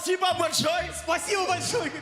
Спасибо большое!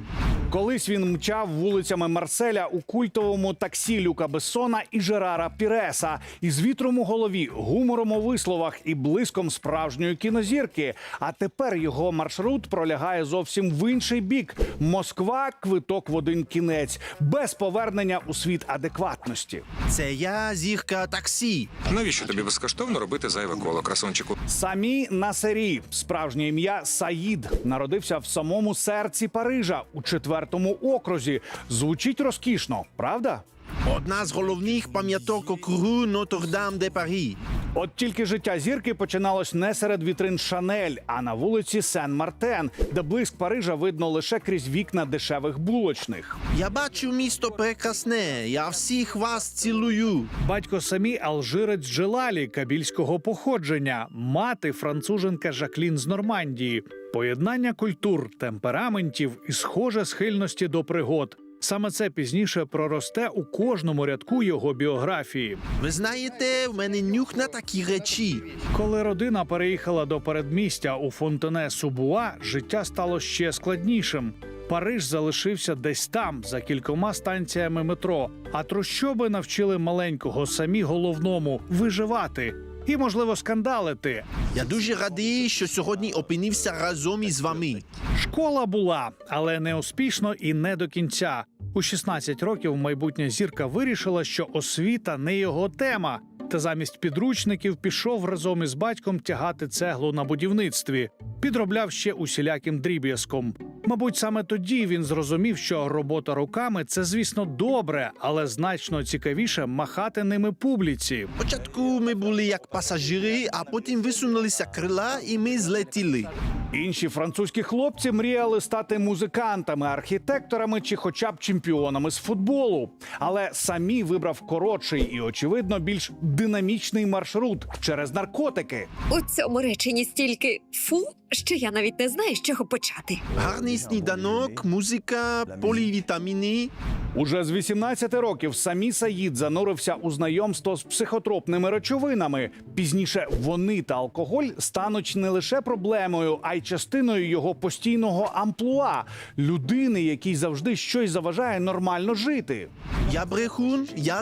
Колись він мчав вулицями Марселя у культовому таксі Люка Бессона і Жерара Піреса із вітром у голові, гумором у висловах і блиском справжньої кінозірки. А тепер його маршрут пролягає зовсім в інший бік. Москва – квиток в один кінець, без повернення у світ адекватності. Це я, зірка таксі. Навіщо тобі безкоштовно робити зайве коло, красунчику? Самі Насері, справжнє ім'я Саїд, народився в самому серці Парижа у 4-му окрузі. Звучить розкішно, правда? Одна з головних пам'яток округу Нотр-Дам-де-Парі. От тільки життя зірки починалось не серед вітрин Шанель, а на вулиці Сен-Мартен, де блиск Парижа видно лише крізь вікна дешевих булочних. Я бачу місто прекрасне, я всіх вас цілую. Батько Самі – алжирець Джелалі кабільського походження, мати – француженка Жаклін з Нормандії. Поєднання культур, темпераментів і схоже схильності до пригод. Саме це пізніше проросте у кожному рядку його біографії. Ви знаєте, в мене нюх на такі речі. Коли родина переїхала до передмістя у Фонтене-Субуа, життя стало ще складнішим. Париж залишився десь там, за кількома станціями метро, а трущоби навчили маленького Самі головному – виживати і, можливо, скандалити. Я дуже радий, що сьогодні опинився разом із вами. Школа була, але не успішно і не до кінця. У 16 років майбутня зірка вирішила, що освіта не його тема. Та замість підручників пішов разом із батьком тягати цеглу на будівництві. Підробляв ще усіляким дріб'язком. Мабуть, саме тоді він зрозумів, що робота руками – це, звісно, добре, але значно цікавіше махати ними публіці. Спочатку ми були як пасажири, а потім висунулися крила і ми злетіли. Інші французькі хлопці мріяли стати музикантами, архітекторами чи хоча б чемпіонами з футболу. Але Самі вибрав коротший і, очевидно, більш динамічний маршрут через наркотики. У цьому реченні стільки «фу», що я навіть не знаю, з чого почати. Гарний сніданок, музика, полівітаміни. Уже з 18 років Самі Саїд занурився у знайомство з психотропними речовинами. Пізніше вони та алкоголь стануть не лише проблемою, а й частиною його постійного амплуа – людини, якій завжди щось заважає нормально жити. Я брехун, я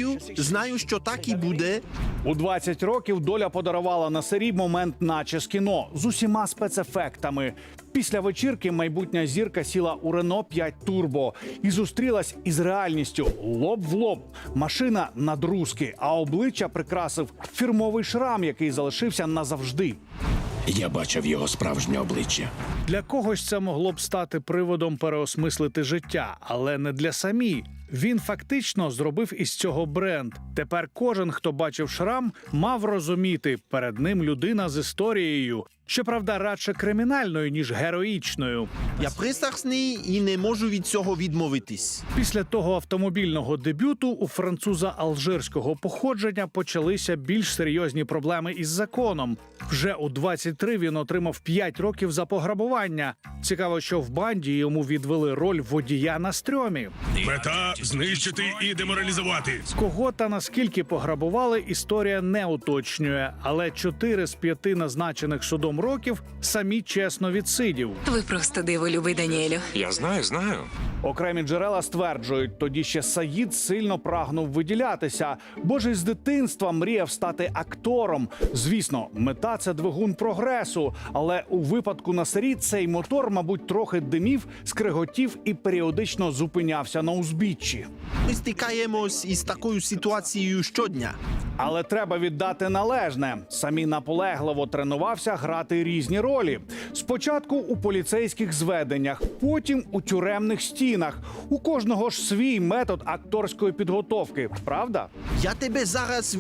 знаю, що так і буде. У 20 років доля подарувала Насері момент наче з кіно з усіма спецефектами. Після вечірки майбутня зірка сіла у Рено 5 Турбо і зустрілась із реальністю лоб в лоб. Машина надрузки, а обличчя прикрасив фірмовий шрам, який залишився назавжди. Я бачив його справжнє обличчя. Для когось це могло б стати приводом переосмислити життя, але не для Самі. Він фактично зробив із цього бренд. Тепер кожен, хто бачив шрам, мав розуміти – перед ним людина з історією. Щоправда, радше кримінальною, ніж героїчною. Я пристрасний і не можу від цього відмовитись. Після того автомобільного дебюту у француза алжирського походження почалися більш серйозні проблеми із законом. Вже у 23 він отримав 5 років за пограбування. Цікаво, що в банді йому відвели роль водія на стрьомі. Мета – знищити і деморалізувати. Кого та наскільки пограбували, історія не уточнює. Але 4 з 5 назначених судом років Самі чесно відсидів. Ви просто диво, любий Даніелю. Я знаю. Окремі джерела стверджують, тоді ще Саїд сильно прагнув виділятися, бо ж із дитинства мріяв стати актором. Звісно, мета – це двигун прогресу, але у випадку Насері цей мотор, мабуть, трохи димів, скриготів і періодично зупинявся на узбіччі. Ми стикаємось із такою ситуацією щодня. Але треба віддати належне. Самі наполегливо тренувався грати різні ролі. Спочатку у поліцейських зведеннях, потім у тюремних стінах. У кожного ж свій метод акторської підготовки, правда? Я тебе зараз...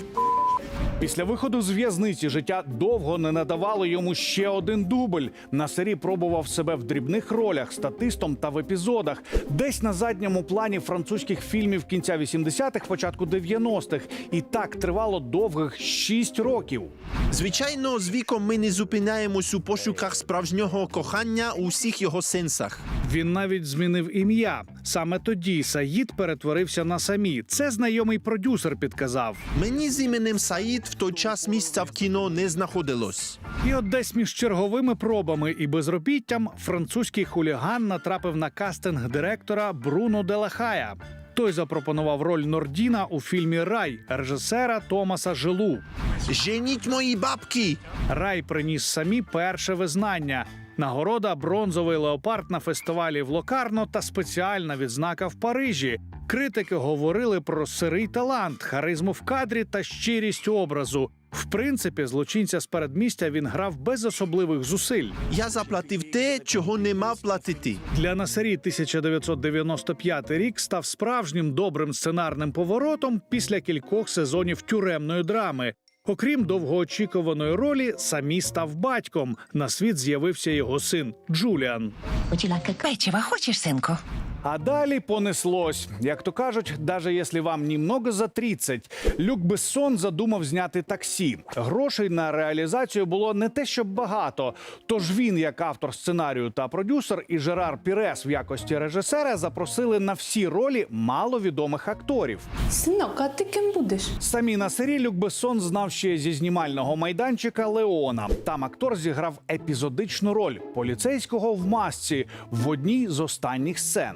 Після виходу з в'язниці життя довго не надавало йому ще один дубль. Насері пробував себе в дрібних ролях, статистом та в епізодах. Десь на задньому плані французьких фільмів кінця 80-х, початку 90-х. І так тривало довгих 6 років. Звичайно, з віком ми не зупиняємось у пошуках справжнього кохання у всіх його сенсах. Він навіть змінив ім'я. Саме тоді Саїд перетворився на Самі. Це знайомий продюсер підказав. Мені з іменем Саїд в той час місця в кіно не знаходилось. І от десь між черговими пробами і безробіттям французький хуліган натрапив на кастинг директора Бруно де ла Хая. Той запропонував роль Нордіна у фільмі «Рай» режисера Томаса Желу. Женіть мої бабки! Рай приніс самі перше визнання. Нагорода «Бронзовий леопард» на фестивалі в Локарно та спеціальна відзнака в Парижі. Критики говорили про сирий талант, харизму в кадрі та щирість образу. В принципі, злочинця з передмістя він грав без особливих зусиль. Я заплатив те, чого не мав платити. Для Насері 1995 рік став справжнім добрим сценарним поворотом після кількох сезонів тюремної драми. Окрім довгоочікуваної ролі, самі став батьком. На світ з'явився його син Джуліан. Печива хочеш, синку? А далі понеслось. Як то кажуть, даже якщо вам німного за 30, Люк Бессон задумав зняти «Таксі». Грошей на реалізацію було не те, щоб багато. Тож він, як автор сценарію та продюсер, і Жерар Пірес в якості режисера запросили на всі ролі маловідомих акторів. Синок, а ти ким будеш? Самі на сері Люк Бессон знав ще зі знімального майданчика «Леона». Там актор зіграв епізодичну роль – поліцейського в масці в одній з останніх сцен.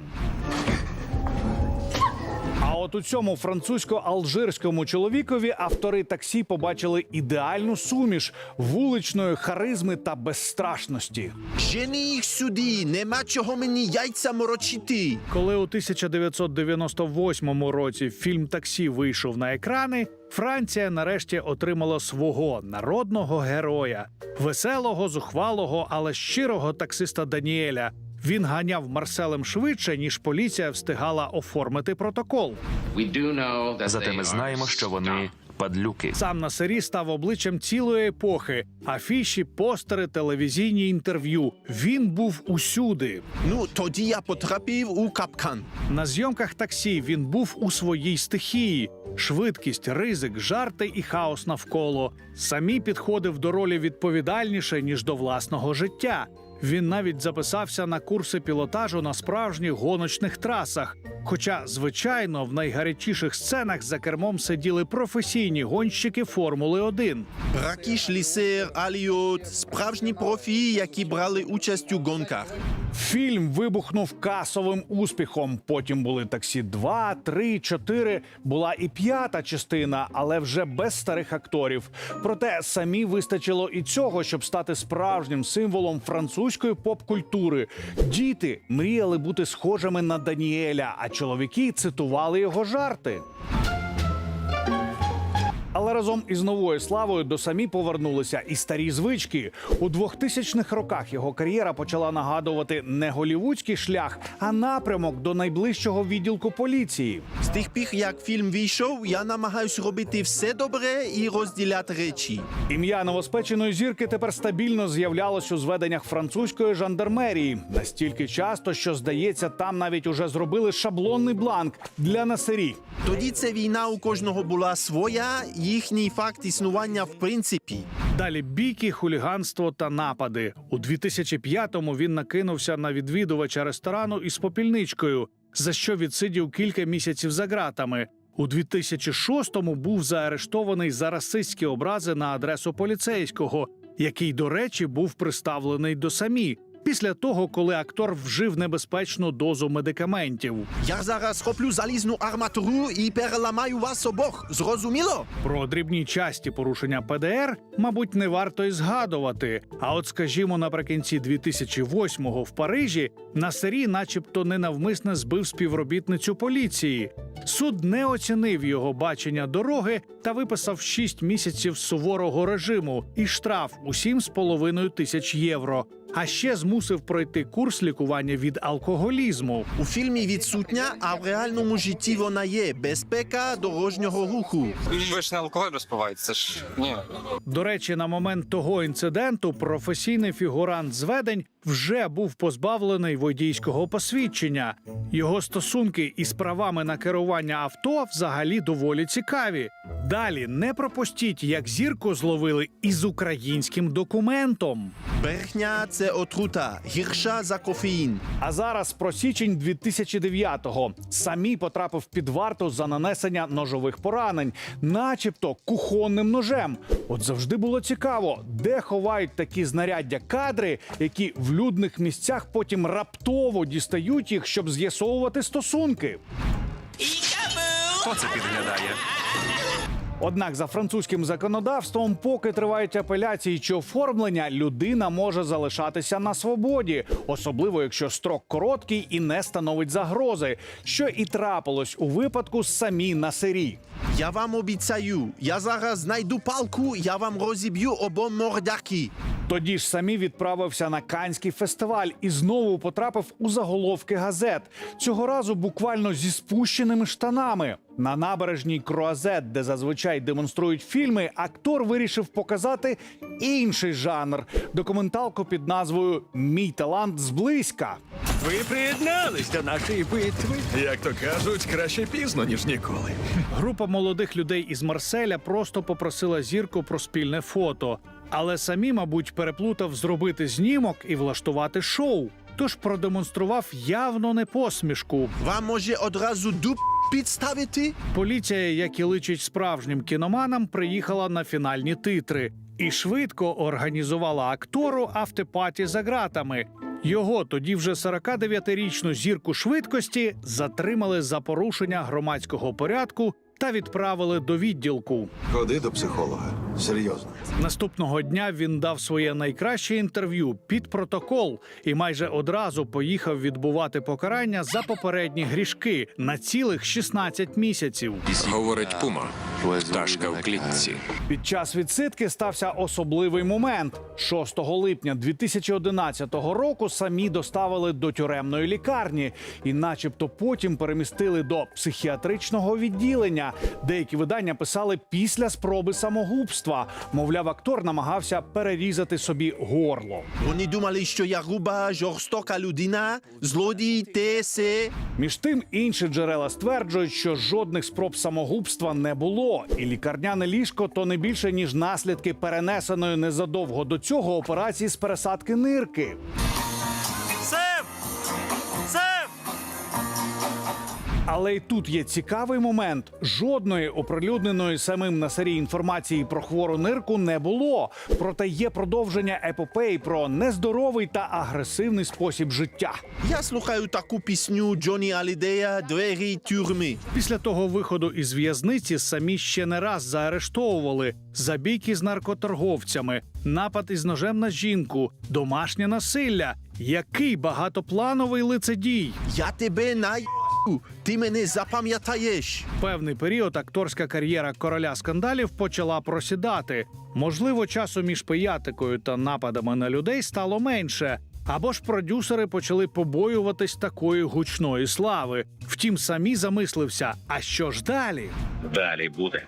А от у цьому французько-алжирському чоловікові автори «Таксі» побачили ідеальну суміш вуличної харизми та безстрашності. Жени їх сюди, нема чого мені яйця морочити. Коли у 1998 році фільм «Таксі» вийшов на екрани, Франція нарешті отримала свого народного героя – веселого, зухвалого, але щирого таксиста Даніеля. Він ганяв Марселем швидше, ніж поліція встигала оформити протокол. Зате ми знаємо, що вони падлюки. Сам Насері став обличчям цілої епохи. Афіші, постери, телевізійні інтерв'ю. Він був усюди. Ну, тоді я потрапив у капкан. На зйомках «Таксі» він був у своїй стихії. Швидкість, ризик, жарти і хаос навколо. Самі підходив до ролі відповідальніше, ніж до власного життя. Він навіть записався на курси пілотажу на справжніх гоночних трасах. Хоча, звичайно, в найгарячіших сценах за кермом сиділи професійні гонщики Формули-1. Ракіш Лісер, Аліот – справжні профі, які брали участь у гонках. Фільм вибухнув касовим успіхом. Потім були «Таксі 2», 3, 4. Була і 5-та частина, але вже без старих акторів. Проте самі вистачило і цього, щоб стати справжнім символом французької поп-культури. Діти мріяли бути схожими на Даніеля, а чоловіки цитували його жарти. Але разом із новою славою до самі повернулися і старі звички. У 2000-х роках його кар'єра почала нагадувати не голівудський шлях, а напрямок до найближчого відділку поліції. З тих пір, як фільм вийшов, я намагаюсь робити все добре і розділяти речі. Ім'я новоспеченої зірки тепер стабільно з'являлось у зведеннях французької жандармерії. Настільки часто, що, здається, там навіть уже зробили шаблонний бланк для Насері. Тоді ця війна у кожного була своя, їхній факт існування в принципі. Далі бійки, хуліганство та напади. У 2005-му він накинувся на відвідувача ресторану із попільничкою, за що відсидів кілька місяців за ґратами. У 2006-му був заарештований за расистські образи на адресу поліцейського, який, до речі, був приставлений до самі. Після того, коли актор вжив небезпечну дозу медикаментів. Я зараз хоплю залізну арматуру і переламаю вас обох. Зрозуміло? Про дрібні часті порушення ПДР, мабуть, не варто й згадувати. А от, скажімо, наприкінці 2008-го в Парижі Насері начебто ненавмисне збив співробітницю поліції. Суд не оцінив його бачення дороги та виписав 6 місяців суворого режиму і штраф у 7,5 тисяч євро. А ще змусив пройти курс лікування від алкоголізму. У фільмі відсутня, а в реальному житті вона є. Безпека дорожнього руху. Ви ж не алкоголь розпиваєте, це ж ні. До речі, на момент того інциденту професійний фігурант зведень вже був позбавлений водійського посвідчення. Його стосунки із правами на керування авто взагалі доволі цікаві. Далі не пропустіть, як зірку зловили із українським документом. Брехня – це отрута, гірша за кофеїн. А зараз про січень 2009-го. Самі потрапив під варту за нанесення ножових поранень, начебто кухонним ножем. От завжди було цікаво, де ховають такі знаряддя кадри, які в людних місцях потім раптово дістають їх, щоб з'ясовувати стосунки. Хто це підглядає? Однак за французьким законодавством, поки тривають апеляції чи оформлення, людина може залишатися на свободі, особливо якщо строк короткий і не становить загрози, що і трапилось у випадку з Самі Насері. Я вам обіцяю, я зараз знайду палку, я вам розіб'ю обом мордяки. Тоді ж Самі відправився на Каннський фестиваль і знову потрапив у заголовки газет. Цього разу буквально зі спущеними штанами. На набережній Круазет, де зазвичай демонструють фільми, актор вирішив показати інший жанр – документалку під назвою «Мій талант зблизька». Ви приєднались до нашої битви. Як то кажуть, краще пізно, ніж ніколи. Група молодих людей із Марселя просто попросила зірку про спільне фото. Але Самі, мабуть, переплутав зробити знімок і влаштувати шоу. Тож продемонстрував явно не посмішку. Вам може одразу дуб підставити? Поліція, як і личить справжнім кіноманам, приїхала на фінальні титри і швидко організувала актору автопаті за ґратами. Його, тоді вже 49-річну зірку швидкості, затримали за порушення громадського порядку та відправили до відділку. Ходи до психолога. Серйозно. Наступного дня він дав своє найкраще інтерв'ю під протокол і майже одразу поїхав відбувати покарання за попередні грішки на цілих 16 місяців. Говорить Пума. Пташка в клітці. Під час відсидки стався особливий момент. 6 липня 2011 року Самі доставили до тюремної лікарні і начебто потім перемістили до психіатричного відділення. Деякі видання писали після спроби самогубства. Мовляв, актор намагався перерізати собі горло. Вони думали, що я груба, жорстока людина, злодій, те-се. Між тим, інші джерела стверджують, що жодних спроб самогубства не було. І лікарняне ліжко – то не більше, ніж наслідки перенесеної незадовго до цього операції з пересадки нирки. Але й тут є цікавий момент. Жодної оприлюдненої самим Насері інформації про хвору нирку не було. Проте є продовження епопеї про нездоровий та агресивний спосіб життя. Я слухаю таку пісню Джоні Алідея «Двері тюрми». Після того виходу із в'язниці Самі ще не раз заарештовували за бійки з наркоторговцями, напад із ножем на жінку, домашнє насилля. Який багатоплановий лицедій! Я тебе ти мене запам'ятаєш. Певний період акторська кар'єра короля скандалів почала просідати. Можливо, часу між пиятикою та нападами на людей стало менше. Або ж продюсери почали побоюватись такої гучної слави. Втім, Самі замислився, а що ж далі? Далі буде.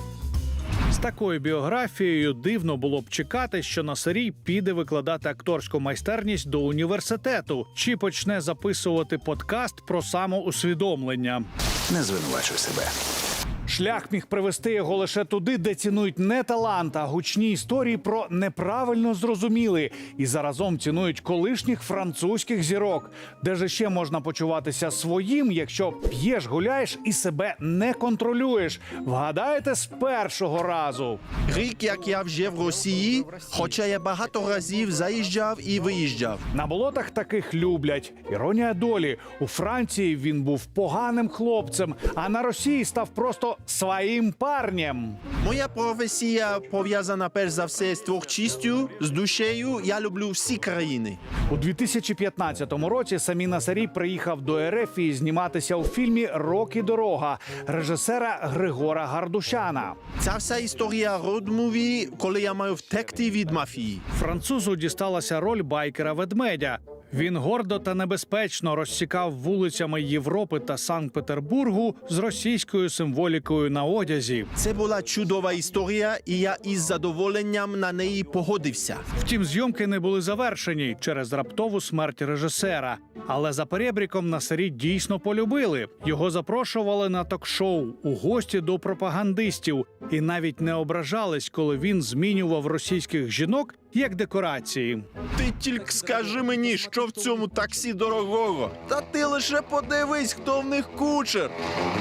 З такою біографією дивно було б чекати, що Насері піде викладати акторську майстерність до університету чи почне записувати подкаст про самоусвідомлення. Не звинувачуй себе. Шлях міг привести його лише туди, де цінують не талант, а гучні історії про неправильно зрозуміли і заразом цінують колишніх французьких зірок. Де ж ще можна почуватися своїм, якщо п'єш, гуляєш і себе не контролюєш? Вгадаєте з першого разу? Рік, як я вже в Росії, хоча я багато разів заїжджав і виїжджав. На болотах таких люблять. Іронія долі. У Франції він був поганим хлопцем, а на Росії став просто своїм парнем. Моя професія пов'язана перш за все з творчістю, з душею. Я люблю всі країни. У 2015 році Самі Насері приїхав до РФ і зніматися у фільмі «Рок і дорога» режисера Григора Гардушяна. Ця вся історія род-муві, коли я маю втекти від мафії. Французу дісталася роль байкера-ведмедя. Він гордо та небезпечно розсікав вулицями Європи та Санкт-Петербургу з російською символікою на одязі. Це була чудова історія, і я із задоволенням на неї погодився. Втім, зйомки не були завершені через раптову смерть режисера. Але за перебріком Насері дійсно полюбили. Його запрошували на ток-шоу, у гості до пропагандистів. І навіть не ображались, коли він змінював російських жінок як декорації. Ти тільки скажи мені, що в цьому таксі дорогого. Та ти лише подивись, хто в них кучер.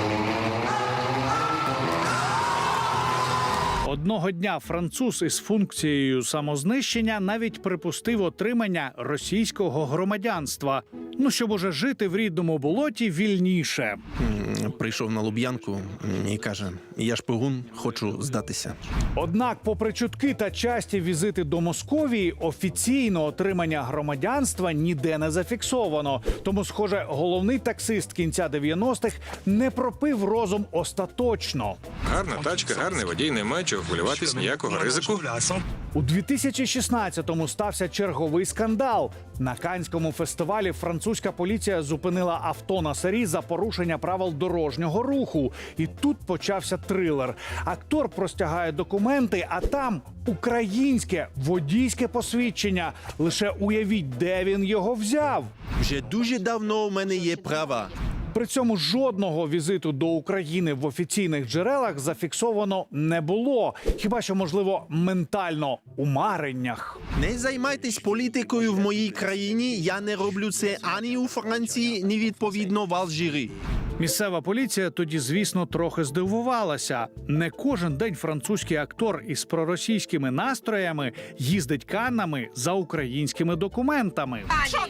Одного дня француз із функцією самознищення навіть припустив отримання російського громадянства. Ну, щоб уже жити в рідному болоті вільніше. Прийшов на Луб'янку і каже, я шпигун, хочу здатися. Однак, попри чутки та часті візити до Московії, офіційно отримання громадянства ніде не зафіксовано. Тому, схоже, головний таксист кінця 90-х не пропив розум остаточно. Гарна тачка, гарний водій, немає чого хвилюватись, ніякого ризику. У 2016-му стався черговий скандал. На Каннському фестивалі французька поліція зупинила авто на Сарі за порушення правил дорожнього руху. І тут почався трилер. Актор простягає документи, а там українське водійське посвідчення. Лише уявіть, де він його взяв. Вже дуже давно у мене є права. При цьому жодного візиту до України в офіційних джерелах зафіксовано не було. Хіба що, можливо, ментально у мареннях. Не займайтесь політикою в моїй країні, я не роблю це ані у Франції, ні відповідно в Алжирі. Місцева поліція тоді, звісно, трохи здивувалася. Не кожен день французький актор із проросійськими настроями їздить Каннами за українськими документами.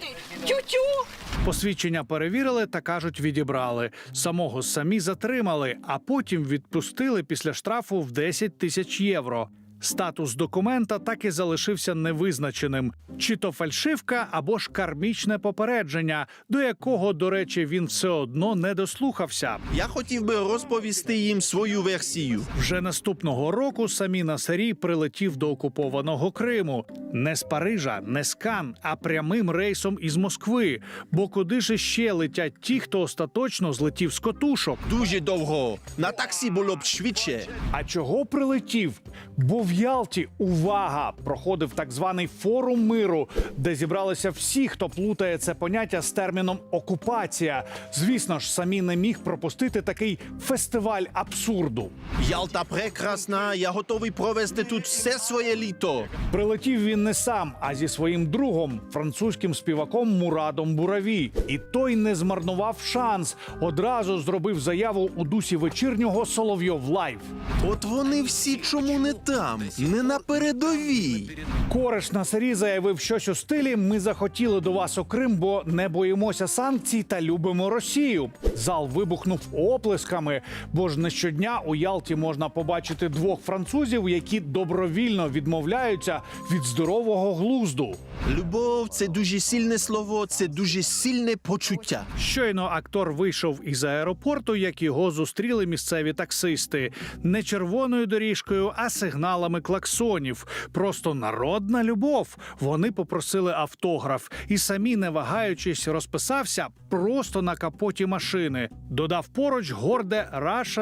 Посвідчення перевірили та, кажуть, відібрали. Самого самі затримали, а потім відпустили після штрафу в 10 тисяч євро. Статус документа так і залишився невизначеним. Чи то фальшивка, або ж кармічне попередження, до якого, до речі, він все одно не дослухався. Я хотів би розповісти їм свою версію. Вже наступного року Самі Насері прилетів до окупованого Криму. Не з Парижа, не з Кан, а прямим рейсом із Москви. Бо куди ж ще летять ті, хто остаточно злетів з котушок? Дуже довго. На таксі було б швидше. А чого прилетів? Бо в Ялті, увага, проходив так званий форум миру, де зібралися всі, хто плутає це поняття з терміном «окупація». Звісно ж, Самі не міг пропустити такий фестиваль абсурду. Ялта прекрасна, я готовий провести тут все своє літо. Прилетів він не сам, а зі своїм другом, французьким співаком Мурадом Бураві. І той не змарнував шанс. Одразу зробив заяву у дусі вечірнього «Соловйов Лайв». От вони всі чому не там, не на передовій. Кореш Насері заявив щось у стилі «Ми захотіли до вас у Крим, бо не боїмося санкцій та любимо Росію». Зал вибухнув оплесками, бо ж не щодня у Ялті можна побачити двох французів, які добровільно відмовляються від здорового глузду. Любов – це дуже сильне слово, це дуже сильне почуття. Щойно актор вийшов із аеропорту, як його зустріли місцеві таксисти. Не червоною доріжкою, а сигналами клаксонів. Просто народна любов. Вони попросили автограф. І Самі, не вагаючись, розписався просто на капоті машини. Додав поруч горде «Раша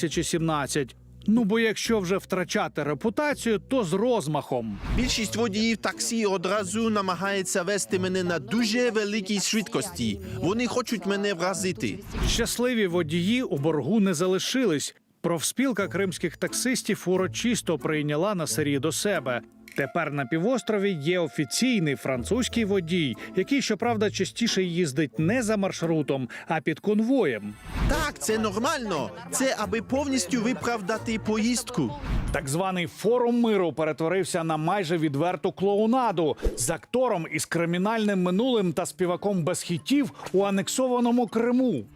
2017». Ну, бо якщо вже втрачати репутацію, то з розмахом. Більшість водіїв таксі одразу намагається вести мене на дуже великій швидкості. Вони хочуть мене вразити. Щасливі водії у боргу не залишились. Профспілка кримських таксистів урочисто прийняла Насері до себе. Тепер на півострові є офіційний французький водій, який, щоправда, частіше їздить не за маршрутом, а під конвоєм. Так, це нормально. Це аби повністю виправдати поїздку. Так званий форум миру перетворився на майже відверту клоунаду з актором із кримінальним минулим та співаком без хітів у анексованому Криму.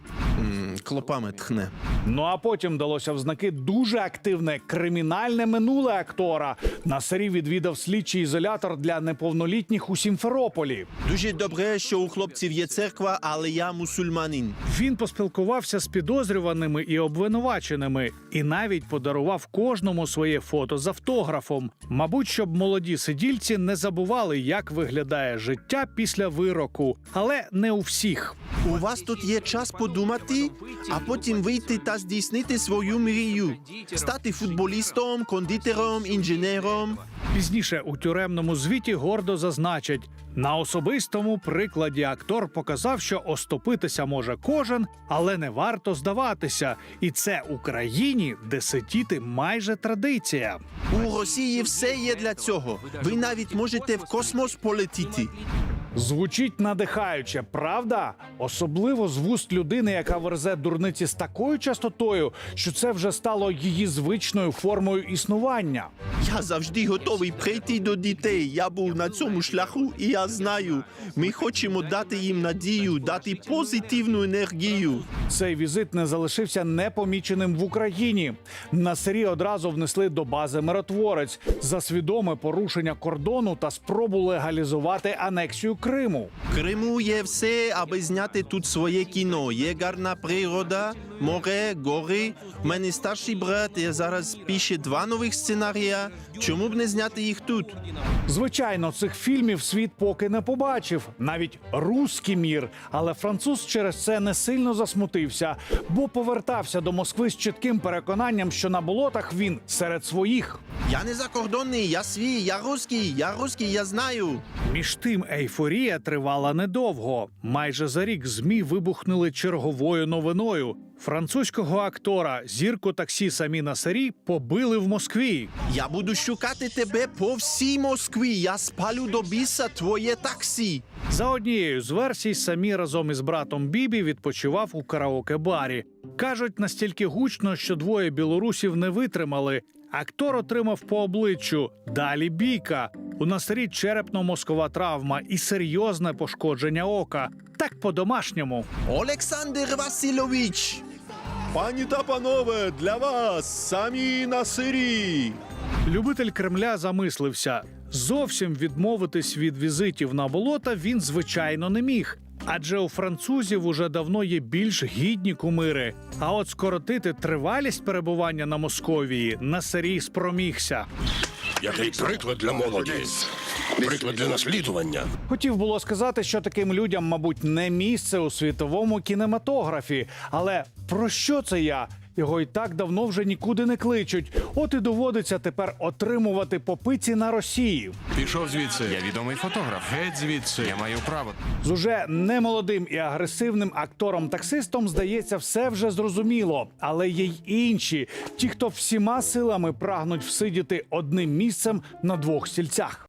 Клопами тхне. Ну а потім далося в знаки дуже активне кримінальне минуле актора. Насері відвідав слідчий ізолятор для неповнолітніх у Сімферополі. Дуже добре, що у хлопців є церква, але я мусульманин. Він поспілкувався з підозрюваними і обвинуваченими і навіть подарував кожному своє фото з автографом. Мабуть, щоб молоді сидільці не забували, як виглядає життя після вироку. Але не у всіх. У вас тут є час подумати? а потім вийти та здійснити свою мрію. Стати футболістом, кондитером, інженером. Пізніше у тюремному звіті гордо зазначать, на особистому прикладі актор показав, що оступитися може кожен, але не варто здаватися. І це Україні, де сидіти майже традиція. У Росії все є для цього. Ви навіть можете в космос полетіти. Звучить надихаюче, правда? Особливо з вуст людини, яка верзе дурниці з такою частотою, що це вже стало її звичною формою існування. Я завжди готовий прийти до дітей. Я був на цьому шляху, і я знаю. Ми хочемо дати їм надію, дати позитивну енергію. Цей візит не залишився непоміченим в Україні. Насирі одразу внесли до бази «Миротворець» за свідоме порушення кордону та спробу легалізувати анексію Криму. В Криму є все, аби зняти тут своє кіно. Є гарна природа, море, гори. У мене старший брат зараз пише 2 нових сценарія. Чому б не зняти їх тут? Звичайно, цих фільмів світ поки не побачив, навіть «Руський мір». Але француз через це не сильно засмутився, бо повертався до Москви з чітким переконанням, що на болотах він серед своїх. Я не закордонний, я свій, я русський, я знаю. Між тим, ейфорія тривала недовго. Майже за рік ЗМІ вибухнули черговою новиною. Французького актора, зірку таксі Самі Насері, побили в Москві. Я буду шукати тебе по всій Москві. Я спалю до біса твоє таксі. За однією з версій, Самі разом із братом Бібі відпочивав у караоке-барі. Кажуть, настільки гучно, що двоє білорусів не витримали. Актор отримав по обличчю. Далі бійка. У Насері черепно-мозкова травма і серйозне пошкодження ока. Так по-домашньому. Олександр Васильович! Пані та панове, для вас Самі Насері! Любитель Кремля замислився. Зовсім відмовитись від візитів на болота він, звичайно, не міг. Адже у французів уже давно є більш гідні кумири. А от скоротити тривалість перебування на Московії Насері спромігся. Який приклад для молоді. Приклад для наслідування. Хотів було сказати, що таким людям, мабуть, не місце у світовому кінематографі. Але про що це я? Його і так давно вже нікуди не кличуть. От і доводиться тепер отримувати по пиці на Росії. Пішов звідси. Я відомий фотограф. Геть звідси. Я маю право. З уже немолодим і агресивним актором-таксистом, здається, все вже зрозуміло. Але є й інші. Ті, хто всіма силами прагнуть всидіти одним місцем на 2 стільцях.